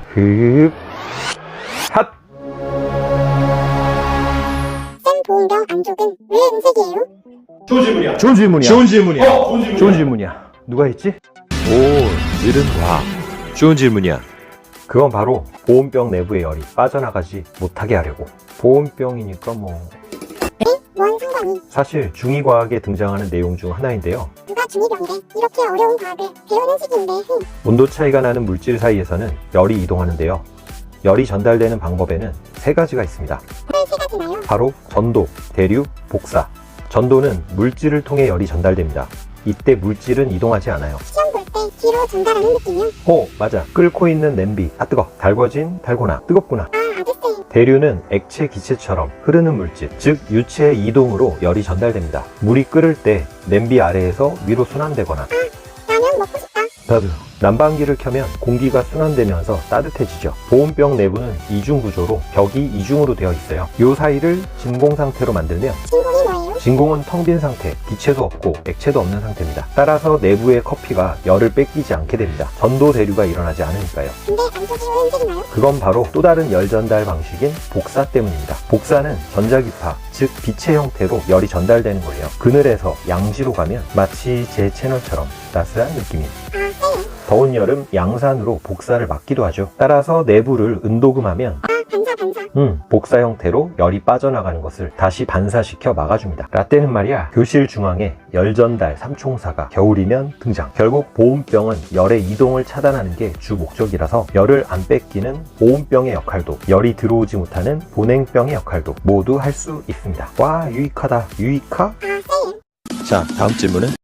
흡. 핫. 쌤 보온병 안쪽은 왜 은색이에요? 좋은 질문이야. 좋은 질문이야. 좋은 질문이야. 좋은 질문이야. 좋은 질문이야. 누가 했지? 오, 늘은 와. 좋은 질문이야. 그건 바로 보온병 내부의 열이 빠져나가지 못하게 하려고. 보온병이니까 뭐 뭔 상관이? 사실 중2과학에 등장하는 내용 중 하나인데요. 누가 중2병이래? 이렇게 어려운 과학을 배우는 시기인데 온도 차이가 나는 물질 사이에서는 열이 이동하는데요. 열이 전달되는 방법에는 세 가지가 있습니다. 왜 세 가지나요? 바로 전도, 대류, 복사. 전도는 물질을 통해 열이 전달됩니다. 이때 물질은 이동하지 않아요. 시험 볼 때 뒤로 전달하는 느낌이요? 맞아. 끓고 있는 냄비. 아, 뜨거. 달궈진, 달고나. 뜨겁구나. 아 아저씨 대류는 액체, 기체처럼 흐르는 물질, 즉 유체의 이동으로 열이 전달됩니다. 물이 끓을 때 냄비 아래에서 위로 순환되거나 라면 먹고 싶다. 나도 난방기를 켜면 공기가 순환되면서 따뜻해지죠. 보온병 내부는 이중 구조로 벽이 이중으로 되어 있어요. 이 사이를 진공 상태로 만들면 진공이 뭐예요? 진공은 텅 빈 상태, 기체도 없고 액체도 없는 상태입니다. 따라서 내부의 커피가 열을 뺏기지 않게 됩니다. 전도 대류가 일어나지 않으니까요. 근데 안쪽이 왜 은색이나요? 그건 바로 또 다른 열 전달 방식인 복사 때문입니다. 복사는 전자기파, 즉 빛의 형태로 열이 전달되는 거예요. 그늘에서 양지로 가면 마치 제 채널처럼 따스한 느낌이. 아 쌤. 더운 여름 양산으로 복사를 막기도 하죠. 따라서 내부를 은도금하면 반사. 복사 형태로 열이 빠져나가는 것을 다시 반사시켜 막아줍니다. 라떼는 말이야, 교실 중앙에 열 전달 삼총사가 겨울이면 등장. 결국 보온병은 열의 이동을 차단하는 게 주 목적이라서 열을 안 뺏기는 보온병의 역할도, 열이 들어오지 못하는 보냉병의 역할도 모두 할 수 있습니다. 와, 유익하다. 유익하? 아 쌤. 자, 다음 질문은?